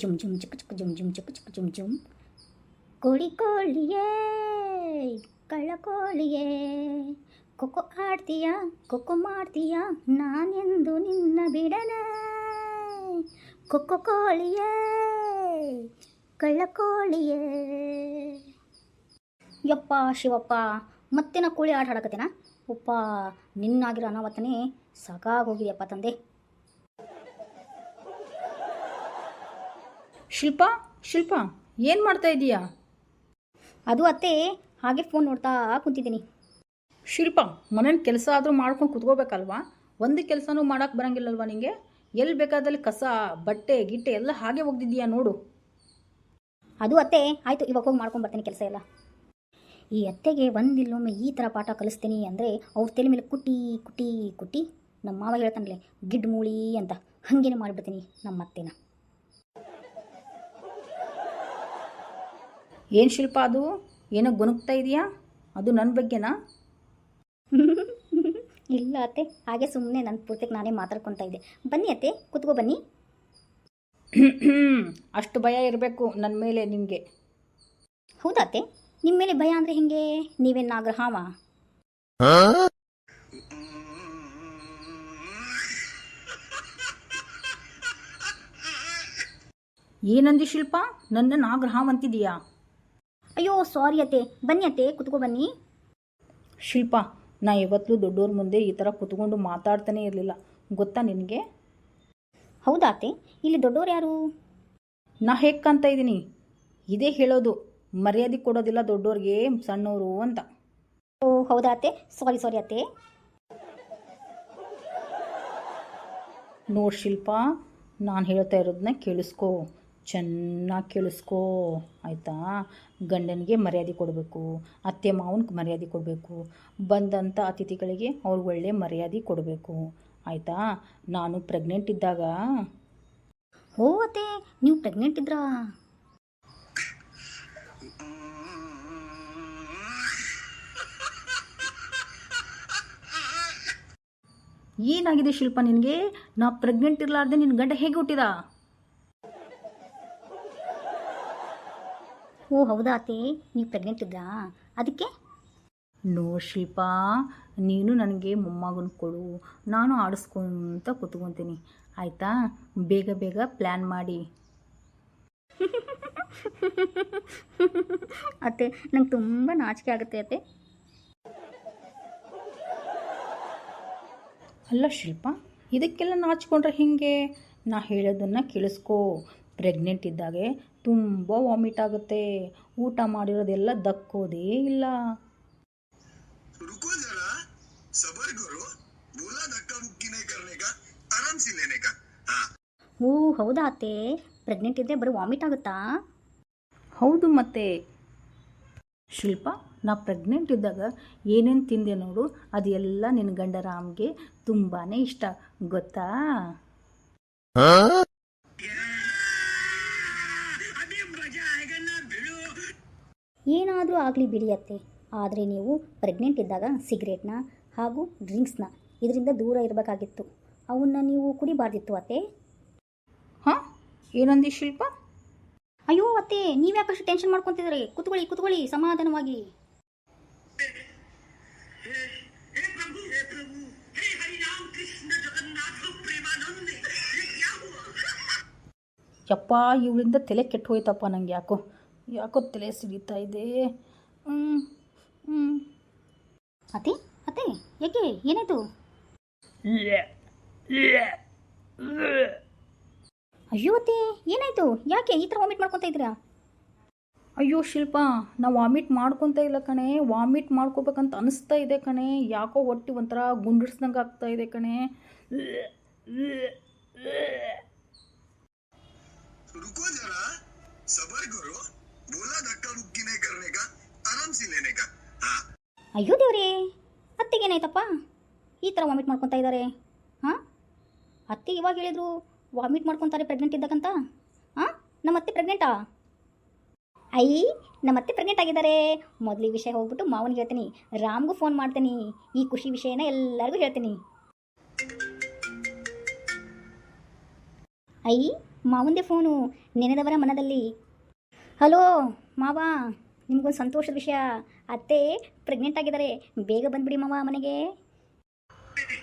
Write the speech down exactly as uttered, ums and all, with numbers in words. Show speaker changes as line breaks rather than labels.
ಜುಮ್ ಜುಮ್ ಚಿಕ್ಕ ಚಿಕ್ಕ ಜುಮ್ ಜುಮ್ ಚಿಕ್ಕ ಚಿಕ್ಕ ಜುಮ್ ಜುಮ್. ಕೋಳಿ ಕೋಳಿಯೇ ಕಳ್ಳ ಕೋಳಿಯೇ ಕೊಕ್ಕೊ ಆಡ್ತೀಯ ಕೊಕ್ಕೊ ಮಾಡ್ತೀಯ ನಾನೆಂದು ನಿನ್ನ ಬಿಡನೆ. ಕೊಕ್ಕೊ ಕೋಳಿಯೇ ಕಳ್ಳ ಕೋಳಿಯೇ. ಯಪ್ಪ ಶಿವಪ್ಪ, ಮತ್ತೆ ನಾ ಕೋಳಿ ಆಟ ಆಡಕತ್ತೇನ? ಉಪ್ಪ ನಿನ್ನಾಗಿರೋ ಅನಾವತ್ತನೇ ಸಾಕಾಗೋಗಿದೆಯಪ್ಪ ತಂದೆ.
ಶಿಲ್ಪ ಶಿಲ್ಪ ಏನು ಮಾಡ್ತಾ ಇದೀಯಾ?
ಅದು ಅತ್ತೆ, ಹಾಗೆ ಫೋನ್ ನೋಡ್ತಾ ಕುಂತಿದ್ದೀನಿ.
ಶಿಲ್ಪ, ಮನೇಲಿ ಕೆಲಸ ಆದರೂ ಮಾಡ್ಕೊಂಡು ಕುತ್ಕೋಬೇಕಲ್ವಾ? ಒಂದು ಕೆಲಸನೂ ಮಾಡೋಕ್ಕೆ ಬರೋಂಗಿಲ್ಲಲ್ವಾ ನಿಂಗೆ? ಎಲ್ಲಿ ಬೇಕಾದಲ್ಲಿ ಕಸ ಬಟ್ಟೆ ಗಿಟ್ಟೆ ಎಲ್ಲ ಹಾಗೆ ಒಗ್ದಿದ್ದೀಯಾ ನೋಡು.
ಅದು ಅತ್ತೆ ಆಯಿತು, ಇವಾಗ ಹೋಗಿ ಮಾಡ್ಕೊಂಡು ಬರ್ತೀನಿ ಕೆಲಸ ಎಲ್ಲ. ಈ ಅತ್ತೆಗೆ ಒಂದಿಲ್ಲೊಮ್ಮೆ ಈ ಥರ ಪಾಠ ಕಲಿಸ್ತೀನಿ ಅಂದರೆ ಅವ್ರ ತಲೆ ಮೇಲೆ ಕುಟ್ಟಿ ಕುಟ್ಟಿ ಕುಟ್ಟಿ ನಮ್ಮ ಮಾವ ಹೇಳ್ತಾನಲ್ಲ ಗಿಡ್ ಮೂಳಿ ಅಂತ, ಹಾಗೇನೆ ಮಾಡಿಬಿಡ್ತೀನಿ ನಮ್ಮ ಅತ್ತೆನ.
ಏನು ಶಿಲ್ಪ, ಅದು ಏನೋ ಗುಣಗ್ತಾ ಇದೆಯಾ? ಅದು ನನ್ನ ಬಗ್ಗೆನಾ?
ಇಲ್ಲ ಅತ್ತೆ, ಹಾಗೆ ಸುಮ್ಮನೆ ನನ್ನ ಪೂರ್ತಿಗೆ ನಾನೇ ಮಾತಾಡ್ಕೊತಾ ಇದ್ದೆ. ಬನ್ನಿ ಅತ್ತೆ, ಕುತ್ಕೋ ಬನ್ನಿ.
ಅಷ್ಟು ಭಯ ಇರಬೇಕು ನನ್ನ ಮೇಲೆ ನಿಮಗೆ?
ಹೌದಾ ಅತ್ತೆ, ನಿಮ್ಮ ಮೇಲೆ ಭಯ ಅಂದರೆ ಹೆಂಗೆ? ನೀವೇನು ನಾಗರಹಾವ?
ಏನಂದಿ ಶಿಲ್ಪ? ನನ್ನ ನಾಗರಹಾವ್ ಅಂತಿದೀಯಾ?
ಅಯ್ಯೋ ಸಾರಿ ಅತ್ತೆ, ಬನ್ನಿ ಅತ್ತೆ ಕುತ್ಕೋ ಬನ್ನಿ.
ಶಿಲ್ಪ, ನಾ ಯಾವತ್ತೂ ದೊಡ್ಡವ್ರ ಮುಂದೆ ಈ ಥರ ಕುತ್ಕೊಂಡು ಮಾತಾಡ್ತಾನೆ ಇರಲಿಲ್ಲ, ಗೊತ್ತಾ ನಿನಗೆ?
ಹೌದಾ ಅತ್ತೆ, ಇಲ್ಲಿ ದೊಡ್ಡವ್ರು ಯಾರು?
ನಾ ಹೇಗೆ ಕಾಣ್ತಾ ಇದ್ದೀನಿ ಇದೇ ಹೇಳೋದು, ಮರ್ಯಾದೆ ಕೊಡೋದಿಲ್ಲ ದೊಡ್ಡವ್ರಿಗೆ ಸಣ್ಣವರು ಅಂತ.
ಓ ಹೌದಾ ಅತ್ತೆ, ಸಾರಿ ಸಾರಿ ಅತ್ತೆ.
ನೋಡು ಶಿಲ್ಪ, ನಾನು ಹೇಳ್ತಾ ಇರೋದನ್ನ ಕೇಳಿಸ್ಕೊ, ಚೆನ್ನಾಗಿ ಕೇಳಿಸ್ಕೊ ಆಯಿತಾ? ಗಂಡನಿಗೆ ಮರ್ಯಾದೆ ಕೊಡಬೇಕು, ಅತ್ತೆ ಮಾವನಿಗೆ ಮರ್ಯಾದೆ ಕೊಡಬೇಕು, ಬಂದಂಥ ಅತಿಥಿಗಳಿಗೆ ಅವ್ರಿಗೆ ಒಳ್ಳೆ ಮರ್ಯಾದೆ ಕೊಡಬೇಕು, ಆಯಿತಾ? ನಾನು ಪ್ರೆಗ್ನೆಂಟ್ ಇದ್ದಾಗ.
ಓ ಅತ್ತೆ, ನೀವು ಪ್ರೆಗ್ನೆಂಟ್ ಇದ್ರಾ?
ಏನಾಗಿದೆ ಶಿಲ್ಪ ನಿನಗೆ? ನಾ ಪ್ರೆಗ್ನೆಂಟ್ ಇರಲಾರ್ದೆ ನಿನ್ನ ಗಂಡ ಹೇಗೆ ಹುಟ್ಟಿದ?
ಓ ಹೌದಾ ಅತ್ತೆ, ನೀವು ಪ್ರೆಗ್ನೆಂಟ್ ಇದ್ರಾ? ಅದಕ್ಕೆ?
ನೋ ಶಿಲ್ಪ, ನೀನು ನನಗೆ ಮೊಮ್ಮಗನ ಕೊಡು, ನಾನು ಆಡಿಸ್ಕೊಂತ ಕೂತ್ಕೊತೀನಿ, ಆಯಿತಾ? ಬೇಗ ಬೇಗ ಪ್ಲ್ಯಾನ್ ಮಾಡಿ.
ಅತ್ತೆ ನಂಗೆ ತುಂಬ ನಾಚಿಕೆ ಆಗುತ್ತೆ ಅತ್ತೆ.
ಅಲ್ಲ ಶಿಲ್ಪ, ಇದಕ್ಕೆಲ್ಲ ನಾಚಿಕೊಂಡ್ರೆ ಹೇಗೆ? ನಾ ಹೇಳೋದನ್ನು ಕೇಳಿಸ್ಕೊ. ಪ್ರೆಗ್ನೆಂಟ್ ಇದ್ದಾಗೆ ತುಂಬ ವಾಮಿಟ್ ಆಗುತ್ತೆ, ಊಟ ಮಾಡಿರೋದೆಲ್ಲ ದಕ್ಕೋದೇ ಇಲ್ಲ.
ಓ ಹೌದಾ ಅತ್ತೆ, ಪ್ರೆಗ್ನೆಂಟ್ ಇದ್ದರೆ ಬರೀ ವಾಮಿಟ್ ಆಗುತ್ತಾ?
ಹೌದು ಮತ್ತೆ ಶಿಲ್ಪ, ನಾ ಪ್ರೆಗ್ನೆಂಟ್ ಇದ್ದಾಗ ಏನೇನು ತಿಂದೆ ನೋಡು, ಅದೆಲ್ಲ ನಿನ್ನ ಗಂಡ ರಾಮ್ಗೆ ತುಂಬಾ ಇಷ್ಟ, ಗೊತ್ತಾ?
ಏನಾದರೂ ಆಗಲಿ ಬಿಡಿ ಅತ್ತೆ, ಆದರೆ ನೀವು ಪ್ರೆಗ್ನೆಂಟ್ ಇದ್ದಾಗ ಸಿಗರೇಟ್ನ ಹಾಗೂ ಡ್ರಿಂಕ್ಸ್ನ ಇದರಿಂದ ದೂರ ಇರಬೇಕಾಗಿತ್ತು, ಅವನ್ನ ನೀವು ಕುಡಿಬಾರ್ದಿತ್ತು ಅತ್ತೆ.
ಹಾಂ, ಏನಂದಿ ಶಿಲ್ಪ?
ಅಯ್ಯೋ ಅತ್ತೆ, ನೀವು ಯಾಕಷ್ಟು ಟೆನ್ಷನ್ ಮಾಡ್ಕೊತಿದ್ರಿ? ಕುತ್ಕೊಳ್ಳಿ ಕುತ್ಕೊಳ್ಳಿ ಸಮಾಧಾನವಾಗಿ.
ಯಪ್ಪ, ಇವಳಿಂದ ತಲೆ ಕೆಟ್ಟು ಹೋಯ್ತಪ್ಪ ನಂಗೆ. ಯಾಕೋ ಯಾಕೋ ತಲೆ ಸಿಡಿತಾ ಇದೆ. ಹ್ಞೂ ಹ್ಞೂ
ಅತ್ತೆ ಅತ್ತೆ ಯಾಕೆ, ಏನಾಯಿತು? ಅಯ್ಯೋ ಅತ್ತೆ, ಏನಾಯಿತು? ಯಾಕೆ ಈ ಥರ ವಾಮಿಟ್ ಮಾಡ್ಕೊತಾ ಇದ್ದೀರಾ?
ಅಯ್ಯೋ ಶಿಲ್ಪ, ನಾ ವಾಮಿಟ್ ಮಾಡ್ಕೊತಾ ಇಲ್ಲ ಕಣೆ, ವಾಮಿಟ್ ಮಾಡ್ಕೋಬೇಕಂತ ಅನಿಸ್ತಾ ಇದೆ ಕಣೆ. ಯಾಕೋ ಹೊಟ್ಟೆ ಒಂಥರ ಗುಂಡಿಡ್ಸ್ದಂಗೆ ಆಗ್ತಾ ಇದೆ ಕಣೆ.
ಅಯ್ಯೋ ದೇವ್ರೇ, ಅತ್ತೆಗೆ ಏನಾಯ್ತಪ್ಪ ಈ ಥರ ವಾಮಿಟ್ ಮಾಡ್ಕೊತಾ ಇದ್ದಾರೆ? ಹಾಂ, ಅತ್ತೆ ಇವಾಗ ಹೇಳಿದ್ರು ವಾಮಿಟ್ ಮಾಡ್ಕೊತಾರೆ ಪ್ರೆಗ್ನೆಂಟ್ ಇದ್ದಕ್ಕಂತ. ಹಾಂ, ನಮ್ಮ ಅತ್ತೆ ಪ್ರೆಗ್ನೆಂಟಾ? ಐ ನಮ್ಮ ಅತ್ತೆ ಪ್ರೆಗ್ನೆಂಟ್ ಆಗಿದ್ದಾರೆ. ಮೊದಲು ಈ ವಿಷಯ ಹೋಗ್ಬಿಟ್ಟು ಮಾವನಿಗೆ ಹೇಳ್ತೀನಿ, ರಾಮ್ಗೂ ಫೋನ್ ಮಾಡ್ತೀನಿ, ಈ ಖುಷಿ ವಿಷಯನ ಎಲ್ಲರಿಗೂ ಹೇಳ್ತೀನಿ. ಐ ಮಾವಂದೇ ಫೋನು, ನೆನೆದವರ ಮನದಲ್ಲಿ. ಹಲೋ ಮಾವ, ನಿಮಗೊಂದು ಸಂತೋಷದ ವಿಷಯ. ಅತ್ತೆ ಪ್ರೆಗ್ನೆಂಟ್ ಆಗಿದ್ದಾರೆ. ಬೇಗ ಬಂದ್ಬಿಡಿ ಮಾವ ಮನೆಗೆ.